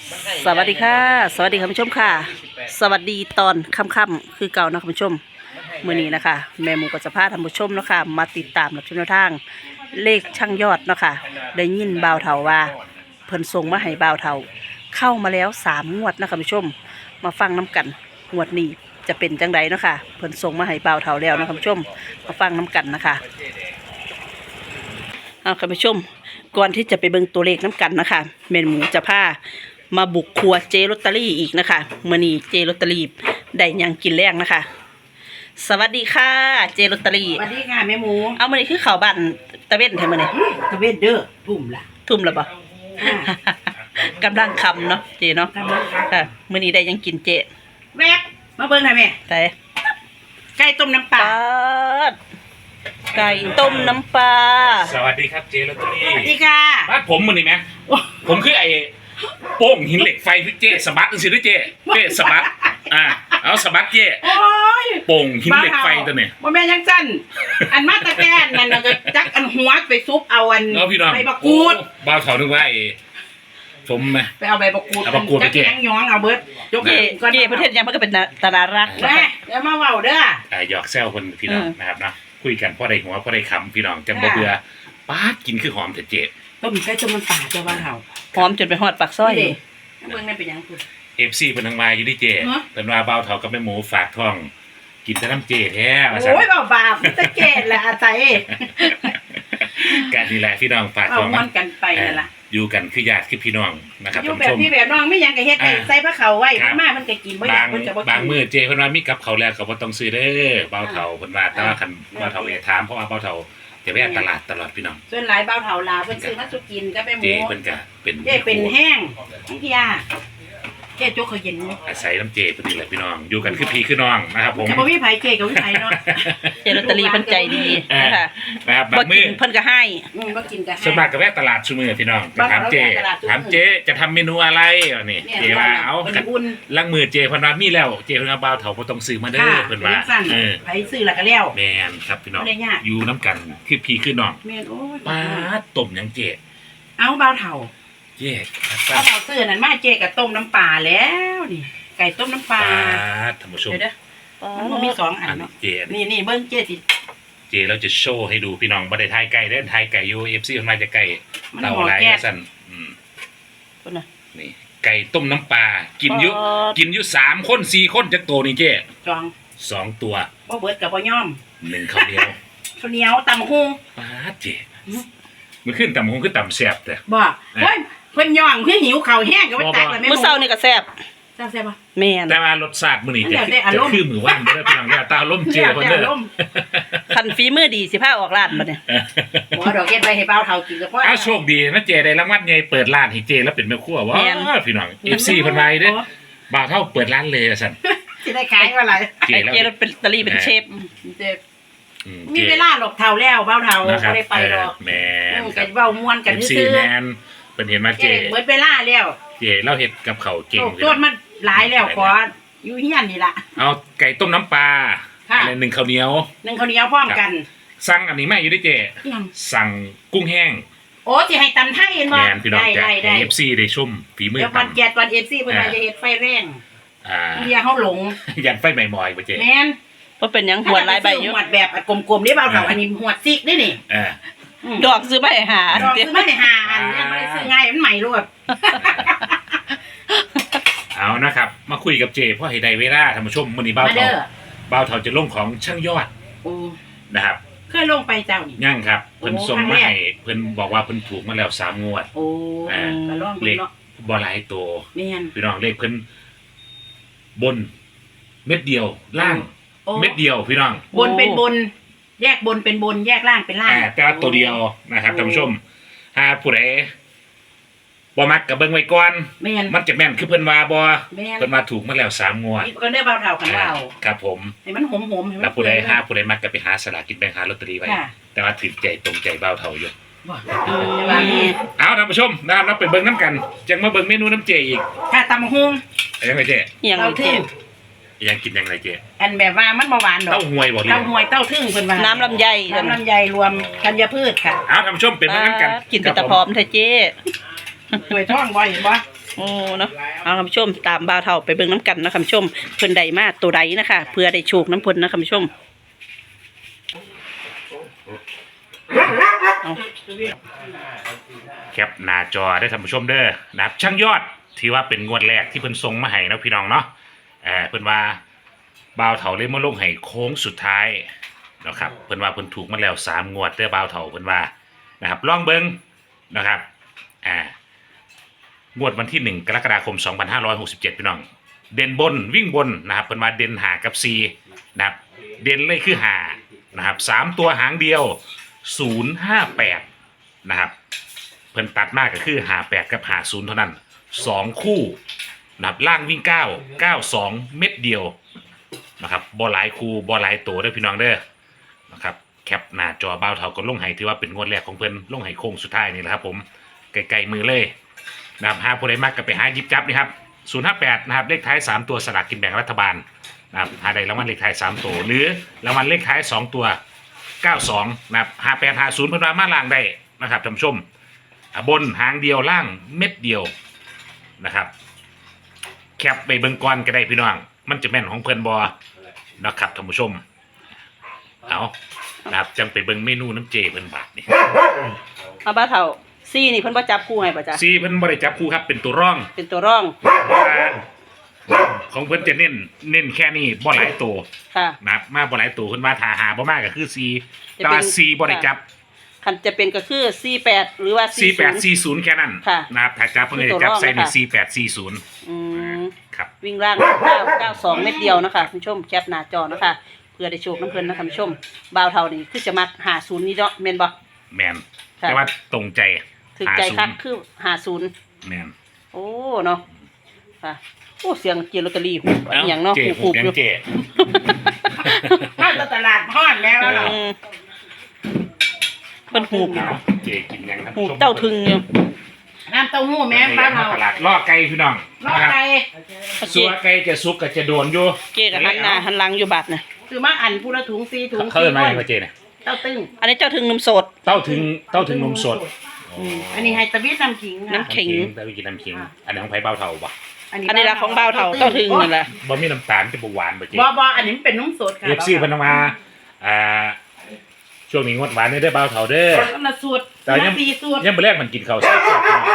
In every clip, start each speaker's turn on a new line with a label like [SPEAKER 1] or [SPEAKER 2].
[SPEAKER 1] สวัสดีค่ะสวัสดีคุณผู้ชมค่ะสวัสดีตอนค่ำๆคือเก่านะคุณผู้ชมมื้อนี้นะคะแม่หมูก็จะพาท่านผู้ชมเนาะค่ะมาติดตามรับชมแนวทางเลขช่างยอดเนาะค่ะได้ยินบ่าวเฒ่าว่าเพิ่นส่งมาให้บ่าวเฒ่าเข้ามาแล้ว3 งวดนะคุณผู้ชมมาฟังน้กันงวดนี้จะเป็นจังไดเนาะค่ะเพิ่นส่งมาให้บ่าวเฒ่าแล้วนะคุณผู้ชมมาฟังน้กันนะคะคุณผู้ชมก่อนที่จะไปเบิ่งตัวเลขน้กันนะคะแม่หมูจะพามาบุกครัวเจลอตเตอรี่อีกนะคะมื้อนี้เจลอตเตอรี่ได้หยังกินแรงนะคะสวัสดีค่ะเจลอตเตอรี่
[SPEAKER 2] สวัสดีค่ะแม่หมู
[SPEAKER 1] เอามื้อนี้คือข้าวบ้านตะเว้นแท้มื้อนี้
[SPEAKER 2] ตะเวนเด้อทุ่มละ
[SPEAKER 1] ทุ่มแล้วบ่ กำลังคำเนาะเจเนาะค่ะมื้อนี้ได้หยังกินเจ
[SPEAKER 2] แม่มาเบิ่งหน่อยแม่
[SPEAKER 1] แต่
[SPEAKER 2] ไก่ต้มน้ำปลา
[SPEAKER 1] ไก่ต้มน้ำปลา
[SPEAKER 3] สวัสดีครับเจลอตเตอรี่
[SPEAKER 2] สวัสดีค่ะ
[SPEAKER 3] บ้านผมมันนี่ไหมผมคือไอ้โป้งหินเหล็กไฟที่เจสบัดสิด้วยเจสบัดเอาสบัดเจ
[SPEAKER 2] โอ้ย
[SPEAKER 3] โป่งหินเหล็กไฟตัวเนี่ย
[SPEAKER 2] บ่แม่นยังสั้นอันมาตะแกนนั่นน่ะก็จักอันหัวไปซุปเอาอัน
[SPEAKER 3] เนาะพี่น้อง
[SPEAKER 2] ใบบักกูด
[SPEAKER 3] บ้าวเขานึกว่าไอ้สมไหม
[SPEAKER 2] ไปเอาใบบักกูด
[SPEAKER 3] เอาบักกูดไปเจ๊
[SPEAKER 2] จัยังย้องเอาเบิดยก
[SPEAKER 1] เจ
[SPEAKER 2] ก่อน
[SPEAKER 1] เจประเทศยังมันก็เป็นตลาดรักนะ
[SPEAKER 2] แม่
[SPEAKER 1] คะ
[SPEAKER 2] เดี๋ยวมาเว้าเด้อ
[SPEAKER 3] หยอกแซวคนพี่น้องนะครับนะคุยกันพ่อได้หัวพ่อได้คำพี่น้องจังบ่เบื่อป้าดกินคือหอมแต่เจ
[SPEAKER 2] ต้มไก่ต้มน้ำปลาเจ้าบ้านเฮา
[SPEAKER 1] หอมจนไปฮอดปากซอย
[SPEAKER 2] นี่เด้เบิ่งนั่นเป็นหยังคุณ
[SPEAKER 3] FC เพิ่นทางมาอยู่ที่เจ
[SPEAKER 2] ฮะ
[SPEAKER 3] เพิ่นว่าบ้าวเฒ่ากับแม่หมูฝากท้อง กินแต่น้ำเจแท้ว่าซั่น
[SPEAKER 2] โอ้ยเบาบาปตะเกนแหละอาศัย
[SPEAKER 3] การนี่แหละพี่น้องฝาก
[SPEAKER 2] เอา
[SPEAKER 3] ท้อง
[SPEAKER 2] ม่วนกันไปนั่นล่ะ
[SPEAKER 3] อยู่กันคือญาติคือพี่น้องนะครับ
[SPEAKER 2] อยู่
[SPEAKER 3] ท่าน
[SPEAKER 2] แบบ
[SPEAKER 3] ผู้ชม
[SPEAKER 2] พี่แบบน้องไม่ยังก็เฮ็ดให้ใส่ผ้าเขาวไว้
[SPEAKER 3] ครับ
[SPEAKER 2] มามันก็กินบ่อยา
[SPEAKER 3] บาก ง
[SPEAKER 2] เพิ่นจะบ่
[SPEAKER 3] บาง
[SPEAKER 2] กิน
[SPEAKER 3] มื้อเจเพิ่นว่ามีกับเขาวแล้วก็บ่ต้องซื้อเด้อเบาเฒ่าเพิ่นว่าแต่ว่าคันเบาเฒ่าอย่าถามเพราะว่าเบาเฒ่าจะแวะตลาดตลอดพี่น้อง
[SPEAKER 2] ส่วนหลายเบาเฒ่าลาเพิ่นซื้อมาสุกินก็ไปห
[SPEAKER 3] เจ
[SPEAKER 2] มู
[SPEAKER 3] เพิ่นก็เป็น
[SPEAKER 2] เจ๊เป็นแห้งทั้งที่ยาเจ๊จกเขาเย็น
[SPEAKER 3] อาศัยน้ำเจเพิ่นนี่แหละพี่น้องอยู่กันคือพี่คือน้องนะครับผม
[SPEAKER 2] ก็บ่มีไผเจ๊ก็บ่มีไผเนาะ
[SPEAKER 1] เจลอตเตอรี่เพิ่นใจดีนะคะ
[SPEAKER 3] นะครับ
[SPEAKER 1] บ่
[SPEAKER 3] บาง
[SPEAKER 1] กิ
[SPEAKER 3] มื้
[SPEAKER 1] น
[SPEAKER 3] อ
[SPEAKER 1] เพิ่นก็ให้
[SPEAKER 2] บ่กินก็ให้
[SPEAKER 3] ส่วนมากก็แวะตลาดซุมื้อพี่น้องก็ถามเจ
[SPEAKER 2] ตลาดซุมื้อ
[SPEAKER 3] ถามเจจะทำเมนูอะไรอ่ะนี่เจว่าเอา
[SPEAKER 2] เพิ่นอุ่น
[SPEAKER 3] ลังมือเจเพิ่นว่ามีแล้วเจเพิ่นว่าเบาเฒ่าบ่ต้องซื้อมาเด้อเพิ่นว่า
[SPEAKER 2] สั่น ไผซื้อแล้วก็แล้ว
[SPEAKER 3] แม่นครับพี่น้อง
[SPEAKER 2] บ่ได้ยาก
[SPEAKER 3] อยู่น้ำกันคือพี่คือน้อง
[SPEAKER 2] แม่นโอ้ย
[SPEAKER 3] ป้าดต้มหยังเจ
[SPEAKER 2] เอาเบาเฒ่า
[SPEAKER 3] เจ
[SPEAKER 2] เบาเฒ่าซื้อนั่นมาเจ๊ก็ต้มน้ำปลาแล้วนี่ไก่ต้มน้ำปลา
[SPEAKER 3] ท่านผู้ชม
[SPEAKER 2] เดี๋ยวเด้อมันบ่มีสองอันเนาะ
[SPEAKER 3] เจ
[SPEAKER 2] นี่เบิ่งเจ๊สิ
[SPEAKER 3] เจเราจะโชว์ให้ดูพี่น้องบ่ได้ทายไก่เด้อทายไก่อยู่ FC เพิ่นมาจะไก่
[SPEAKER 2] มัน
[SPEAKER 3] เต่า
[SPEAKER 2] หอ
[SPEAKER 3] หลาย
[SPEAKER 2] แก๊ส
[SPEAKER 3] สั่น
[SPEAKER 1] เพิ่นน่ะ
[SPEAKER 3] นี่ไก่ต้มน้ำปลากินอยู่
[SPEAKER 1] อ๋อ
[SPEAKER 3] กินอยู่3คน4คนจักโตนี่เจ
[SPEAKER 2] จอง
[SPEAKER 3] 2ตัว
[SPEAKER 2] บ่เบิดก็บ่ยอม
[SPEAKER 3] 1ข้าวเหนียว
[SPEAKER 2] ข้าวเหนียวตำหุ้ง
[SPEAKER 3] ป้าดเจมันขึ้นต่ำคงขึ้นต่ำแซ่บแต่
[SPEAKER 2] บ่เฮ้ยเพิ่นย่องเพิ่นหิวข้าวแห้งก็บ่ตักแล้วแม่
[SPEAKER 1] มื้อเช้านี่ก็แซ่บ
[SPEAKER 2] แซ่บบ่
[SPEAKER 1] แม่น
[SPEAKER 3] แต่ว่ารสชาติมื้อนี้
[SPEAKER 2] มัน
[SPEAKER 3] จะ
[SPEAKER 2] แล้วแต่อารมณ์
[SPEAKER 3] คือมือว่างเด้อพี่น้องอย่าตาล้มเจเพิ่นเด้อ
[SPEAKER 1] คันฝีมือดีสิพาออกร้านบัดนี้
[SPEAKER 2] บ่ดอกเฮ็ดไว้ให้เบาเฒ่ากินก็พอ
[SPEAKER 3] อ้าวโชคดีนะเจได้รางวัลใหญ่เปิดร้านให้เจแล้วเป็นแม่ครัวว้าพี่น้อง FC เพิ่นมาเด้อบ่าวเท่าเปิดร้านเลยอะซั่น
[SPEAKER 2] สิได้ขายว่าหลาย
[SPEAKER 3] เจ
[SPEAKER 1] ไอ้
[SPEAKER 3] แล้ว
[SPEAKER 1] เจลอตเตอรี่เป็นเชฟ
[SPEAKER 2] เจ็บ
[SPEAKER 3] อื
[SPEAKER 2] มีเวลาหลบเฒ่าแล้วเบาเฒ่า
[SPEAKER 3] นะครั
[SPEAKER 2] บ่ได้ไปดอก
[SPEAKER 3] แม่นค
[SPEAKER 2] กั
[SPEAKER 3] รั
[SPEAKER 2] น
[SPEAKER 3] บ
[SPEAKER 2] เว้าม่วนกัน
[SPEAKER 3] MC
[SPEAKER 2] ซื่อ
[SPEAKER 3] แมนเป็นเห็นมา
[SPEAKER 2] ๆ
[SPEAKER 3] เจ
[SPEAKER 2] เจ๊เบิดเวลาแล้ว
[SPEAKER 3] เจเราเฮ็ดกับเขาวเก่ง
[SPEAKER 2] โตโตดมันหลายแล้วขออยู่เฮียนนี่ล่ะ
[SPEAKER 3] เอาไก่ต้มน้ำปลา
[SPEAKER 2] ค่ะ
[SPEAKER 3] อะไร1ข้าวเหนียว
[SPEAKER 2] นึ่งข้าวเหนียวพร้อมกัน
[SPEAKER 3] สั่งอันนี้มาอยู่ด้วยเจ
[SPEAKER 2] อิหยัง
[SPEAKER 3] สั่งกุ้งแห้ง
[SPEAKER 2] โอ้สิให้ตำไทยเห็นบ่
[SPEAKER 3] แมนพี่น้องจาก
[SPEAKER 2] ได้
[SPEAKER 3] FC ได้ชมฝีมือ
[SPEAKER 2] เดี๋ยววัน
[SPEAKER 3] ตำ
[SPEAKER 2] แกดวัน FC เพิ่นว่าจะเฮ็ดไฟแรง เฮียเฮาหลง
[SPEAKER 3] ยันไฟใหม่มอยบ่เจ
[SPEAKER 2] แม่น
[SPEAKER 1] ว่าเป็นหยังหัวลายใบอยู่
[SPEAKER 2] หวดแบบกลมๆนี่เบาเฒ่าอันนี้หวดซิกนี่นี่
[SPEAKER 3] เออ
[SPEAKER 1] ดอกซื้อมาให้หา
[SPEAKER 2] ดอกซื้อมาได้5อันยังบ่ได้ซื้อง่ายมันใหม่รวด
[SPEAKER 3] เอานะครับ มาคุยกับเจเพราะให้ได้เวลาท่านผู้ชมมื้อนี้บ่าว
[SPEAKER 2] มาเด้
[SPEAKER 3] เฒ่า
[SPEAKER 2] อ
[SPEAKER 3] บ่าวเฒ่าจะลงของช่างยอด
[SPEAKER 2] โอ้
[SPEAKER 3] นะครับ
[SPEAKER 2] เคยลงไปเจ้านี่
[SPEAKER 3] ย่างครับเพิ่น
[SPEAKER 2] โอ้
[SPEAKER 3] ส่ง
[SPEAKER 2] ครั้ง
[SPEAKER 3] มา
[SPEAKER 2] แรก
[SPEAKER 3] ให้เพิ่นบอกว่าเพิ่นถูกมาแล้ว3 งวด
[SPEAKER 2] โอ้
[SPEAKER 3] อ่า
[SPEAKER 2] ก็ลอง
[SPEAKER 3] เล
[SPEAKER 2] เบิ่ง
[SPEAKER 3] ข
[SPEAKER 2] เนาะ
[SPEAKER 3] บ่หลายตัว
[SPEAKER 2] แม่น
[SPEAKER 3] พี่น้องเลขเพิ่นบน เม็ดเดียวล่าง
[SPEAKER 2] โอ้
[SPEAKER 3] เม็ดเดียวพี่น้อง
[SPEAKER 2] บนเป็นบน แยกบนเป็นบน แยกล่างเป็นล่าง
[SPEAKER 3] แต่ว่าตัวเดียวนะครับ
[SPEAKER 2] โอ้
[SPEAKER 3] ท่านผู้ชมถ้าผู้ใดบ่มักก็เบิ่งไว้ก่อน
[SPEAKER 2] แม่น
[SPEAKER 3] มันจะแม่นคือเพิ่นว่าบ่
[SPEAKER 2] แม่น
[SPEAKER 3] เพิ่นว่าถูกมาแล้ว3 งวด
[SPEAKER 2] นี่ก็ได้เบาเท่ากันเบา
[SPEAKER 3] ครับผม
[SPEAKER 2] ให้มันหอมๆให้มัน
[SPEAKER 3] แล้วผู้ใดหาผู้ใดมักก็ไปหาสลากกินแบ่งหาลอตเตอรี่ไว้
[SPEAKER 2] ค่ะ
[SPEAKER 3] แต่ว่าถือใจตรงใจเบาเท่าอยู่
[SPEAKER 2] บ่แต่ว่านี่
[SPEAKER 3] เอาท่านผู้ชมนะครับเราไปเบิ่งน้ำกันจังมาเบิ่งเมนูน้ำเจอีก
[SPEAKER 2] ถ้าตำฮง
[SPEAKER 3] ยังไงเจ
[SPEAKER 1] อหยัง
[SPEAKER 2] เต้า
[SPEAKER 1] เจ
[SPEAKER 2] ทึ่ง
[SPEAKER 3] ยังกินยังไงเจ
[SPEAKER 2] อันแบบว่ามันบ่หวานดอก
[SPEAKER 3] เต้าหวยบ่ดี
[SPEAKER 2] เต้าหวยเต้าทึ่งเพิ่นว่า
[SPEAKER 1] น้ำลำไย
[SPEAKER 2] น้ำลำไยรวมธัญพืชค่ะ
[SPEAKER 3] เอาท่านผู้ชมเป็นเบิ่งน้ำกัน
[SPEAKER 1] กินเป็นตะพร้อมเถอะเจ
[SPEAKER 2] ถ้วยทองบ่เห็นบ่
[SPEAKER 1] โอ้เนาะเอาคุณผู้ชมตามบ่าวเฒ่าไปเบิ่งน้ำกันนะคุณผู้ชมเพิ่นใดมาตัวใดนะคะเพื่อได้โชคน้ำเพิ่นนะคุณผู้ชมเอา
[SPEAKER 3] แคปหน้าจอได้ท่านผู้ชมเด้อนะครับช่างยอดที่ว่าเป็นงวดแรกที่เพิ่นส่งมาให้นะพี่น้องเนาะเพิ่นว่าบ่าวเฒ่าเลยมาลงให้โค้งสุดท้ายนะครับเพิ่นว่าเพิ่นถูกมาแล้ว3งวดเด้อบ่าวเฒ่าเพิ่นว่านะครับลองเบิ่งนะครับงวดวันที่1กรกฎาคม2567พี่น้องเด่นบนวิ่งบนนะครับเพิ่นว่าเด่น5กับ4นะครับเด่นเลยคือ5นะครับ3ตัวหางเดียว058นะครับเพิ่นตัดมากก็คือ58กับ50เท่านั้น2คู่นะครับล่างวิ่ง9 92เม็ดเดียวนะครับบ่หลายคู่บ่หลายตัวเด้อพี่น้องเด้อนะครับแคปหน้าจอบ่าวเฒ่าก็ลงให้ถือว่าเป็นงวดแรกของเพิ่นลงให้โค้งสุดท้ายนี่แหละครับผมไกลๆมือเลยนะครับหาผู้ใดมักก็ไปหาหยิบจับนี่ครับ058นะครับเลขท้าย3ตัวสลากกินแบ่งรัฐบาลนะครับหาได้รางวัลเลขท้าย3ตัวหรือรางวัลเลขท้าย2ตัว92นะครับ5850เพิ่นว่ามาล่างได้นะครับท่านผู้ชมบนหางเดียวล่างเม็ดเดียวนะครับแคปไปเบิ่งก่อนก็ได้พี่น้องมันจะแม่นของเพิ่นบ่นะครับท่านผู้ชมเอานะครับจังไปเบิ่งเมนูน้ำเจเพิ่นบาดนี่
[SPEAKER 1] เอาบ่าวเฒ่าซี่นี่เพิ่นบ่จับคู่ให้ป่ะจ๊ะ
[SPEAKER 3] ซีเพิ่นบ่ได้จับคู่ครับเป็นตัวร่อง
[SPEAKER 1] เป็นตัวร่อง
[SPEAKER 3] ของเพิ่นจะเน้นแค่นี้บ่หลายตัว
[SPEAKER 1] ค่ะ
[SPEAKER 3] นะครับมาบ่หลายตัวเพิ่นว่าถ้าหาบ่มากก็คือซี
[SPEAKER 1] จะเป็น
[SPEAKER 3] แต่ว่าซีบ่ได้จับ
[SPEAKER 1] คันจะเป็นก็คือ48หรือว่า40
[SPEAKER 3] 4840แค่นั้น
[SPEAKER 1] ค่ะ
[SPEAKER 3] นะครับถ้าจับเพิ่นจะจับใส่ใน4840
[SPEAKER 1] อืม
[SPEAKER 3] ครับ
[SPEAKER 1] วิ่งล่าง992เม็ดเดียวนะคะคุณผู้ชมแคปหน้าจอนะคะเพื่อได้โชคน้ำเพิ่นนะคะคุณผู้ชมบ่าวเฒ่านี่คือจะมัก50นี่เนาะแม่นบ่
[SPEAKER 3] แม่น
[SPEAKER 1] ค่ะ
[SPEAKER 3] แต่ว่าตรงใจ
[SPEAKER 1] ถึกใจคัก
[SPEAKER 3] 50
[SPEAKER 1] คือ50
[SPEAKER 3] แม่น
[SPEAKER 1] โอ้เนาะค่ะโอ้เสียงเกียร์ลอตเตอรี่หูอหย่างเนาะ
[SPEAKER 3] เจ๊
[SPEAKER 1] หู
[SPEAKER 3] หู
[SPEAKER 1] ๆอยู่
[SPEAKER 3] เจ๊
[SPEAKER 2] ถ้าตลาดห้อนแล้ว
[SPEAKER 1] อื
[SPEAKER 2] เหรอ
[SPEAKER 1] มเพิ่นหูบ
[SPEAKER 3] เอาเจ๊กินยังครับ
[SPEAKER 1] หูบเต้าถึงอยู่
[SPEAKER 2] น้ำเต้าหู้แม่บ้านเรา
[SPEAKER 3] ตลาดล่อไก่พี่น้อง
[SPEAKER 2] รอด
[SPEAKER 3] นะครับ
[SPEAKER 2] ไป
[SPEAKER 3] สัวไก่จะสุกก็จะโดนอยู่
[SPEAKER 1] เจ๊กับหันหน้าหันหลังอยู่บัดน่ะ
[SPEAKER 2] คือมาอันพูละถุง4ถุง
[SPEAKER 3] เขาเอิ้นมาอย่างไรเจ๊เนี่ย
[SPEAKER 2] เต้าตึ้ง
[SPEAKER 1] อันนี้เจ้าถึงนมสด
[SPEAKER 3] เต้าถึงนมสด
[SPEAKER 2] อันนี้ไฮตะบิดน้ำขิงค่ะ
[SPEAKER 1] น้ำขิง
[SPEAKER 3] แต่วิกินน้ำขิงอันนี้ของไผ่เบ้าเท่าบ่
[SPEAKER 1] อันนี้ละของบ่าวเฒ่าเจ้าถึงนั่นแหละ
[SPEAKER 3] บ่มีน้ำตาลจะบ่หวานบ่เจ๊
[SPEAKER 2] บ่อันนี้มันเป็นนุ่มสดค่ะ
[SPEAKER 3] เอฟซีเพิ่นเอามาช่วงนี้งดหวานนี่ได้อเบ้าเท่าเด้อ
[SPEAKER 2] คนละสูตร
[SPEAKER 3] แต่ยัง
[SPEAKER 2] 4สูตร
[SPEAKER 3] ยังบ่แรกมันกินข้าวแซ่บๆพี่น้อง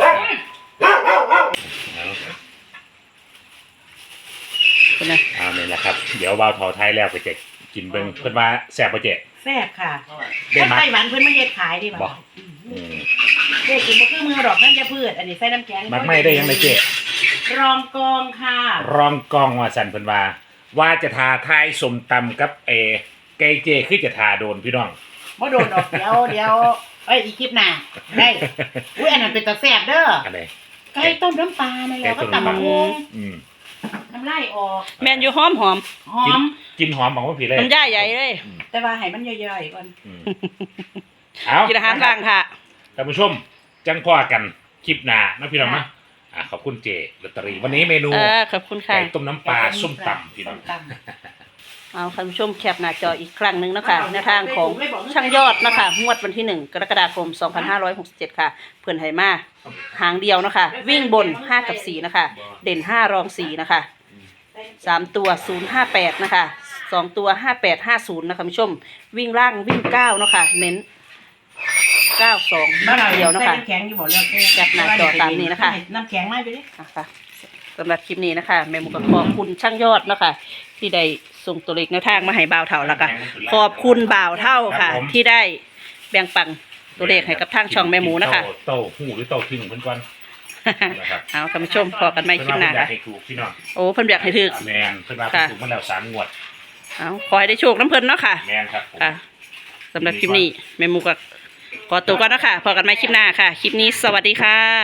[SPEAKER 1] คนน่ะ
[SPEAKER 3] เอานี่แหละครับเดี๋ยวเบ้าเท่าไทยแล้วก็จะกินเบิ่งเพิ่นว่าแซ่บบ่เจ๊
[SPEAKER 2] แซ่บค่ะ
[SPEAKER 3] ได้มั้ย
[SPEAKER 2] ไต้หวันเพิ่นมาเฮ็ดขายดี
[SPEAKER 3] บ่
[SPEAKER 2] บ่
[SPEAKER 3] อืม
[SPEAKER 2] เด็กกินบ่คือมือดอกนั่นจะพืชอันนี้ใส่น้ำแข็ง
[SPEAKER 3] มักไม่ได้ยังไงเจ๊
[SPEAKER 2] รองกองค่ะ
[SPEAKER 3] รองกองว่าสั่นเพิ่นว่าจะทาทายสมตำกับไก่เจคือจะทาโดนพี่น้อง
[SPEAKER 2] บ่โดนดอกเดี๋ยวเอ้ยอีกคลิปหน้าได้อุ้ยอันนั้นเป็นตาแซ่บเด้อ
[SPEAKER 3] อะไร
[SPEAKER 2] ไก่ต้มน้ำปลานั่นแหละก็ตำบักหุ่ง
[SPEAKER 3] อืม
[SPEAKER 2] น้ำลายออก
[SPEAKER 1] แม่นอยู่หอม
[SPEAKER 2] หอม
[SPEAKER 3] กินหอมของว่าผีเลย
[SPEAKER 1] มันย่าใหญ่เลย
[SPEAKER 2] แต่ว่าให้มันย่อยๆก่อน
[SPEAKER 3] อืมเอา
[SPEAKER 1] กินอาหารกลางค่ะ
[SPEAKER 3] ท่านผู้ชมจังพ่อกันคลิปหน้านะพี่น้องนะขอบคุณเจลอตเตอรี่วันนี้เมนู
[SPEAKER 1] ขอบคุณค่ะ
[SPEAKER 3] ไก่ต้มน้ำปลาส้มตำพี่น้อง
[SPEAKER 2] ส้มต
[SPEAKER 1] เอาท่านผู้ชมแคปหน้าจออีกครั้งหนึ่งนะคะในทางของช่างยอดนะคะงวดวันที่1กรกฎาคม2567ค่ะเพื่อนไหมาหางเดียวนะคะวิ่งบน5กับ4นะคะเด่น5รอง4นะคะ3ตัว058นะคะ2ตัว5850นะคะผู้ชมวิ่งล่างวิ่ง9นะคะเน้น92
[SPEAKER 2] บ้านเรา
[SPEAKER 1] เดียวนะคะ
[SPEAKER 2] ใส่น้ำแข็งอยู่บ่แล้ว
[SPEAKER 1] จัดหน้าจอตามนี้นะคะ
[SPEAKER 2] น้ำแข็งมาไปดิ
[SPEAKER 1] นะคะสำหรับคลิปนี้นะคะแม่หมูก็ขอบคุณช่างยอดนะคะที่ได้ส่งตัวเลขแนวทางมาให้บ่าวเท่าแล้วก็ขอบคุณบ่าวเท่าค่ะ ที่ได้แบ่งปันตัวเลขให้กับทางช่องแม่หมูนะคะ
[SPEAKER 3] เต้าหู้หรือเต้าทิ้งเพิ่นก่อนนะครับ
[SPEAKER 1] เอาท่านผู้ชมพอกันใหม่คลิปหน้า
[SPEAKER 3] เพิ่นว่า
[SPEAKER 1] ค่ะ
[SPEAKER 3] เพิ่นอยากให้ถูกพี่น้อง
[SPEAKER 1] โอ้เพิ่นอยากให้ถึก
[SPEAKER 3] แมนเพิ่นว่าเพิ่นถูกมาแล้ว3งวด
[SPEAKER 1] เอาขอให้ได้โชคน้ำเพิ่นเนาะค่ะ
[SPEAKER 3] แมนครับผม
[SPEAKER 1] ค่ะสำหรับคลิปนี้แม่หมูก็ขอตัวก่อนเนาะค่ะพอกันใหม่คลิปหน้าค่ะ คลิปนี้สวัสดีค่ะ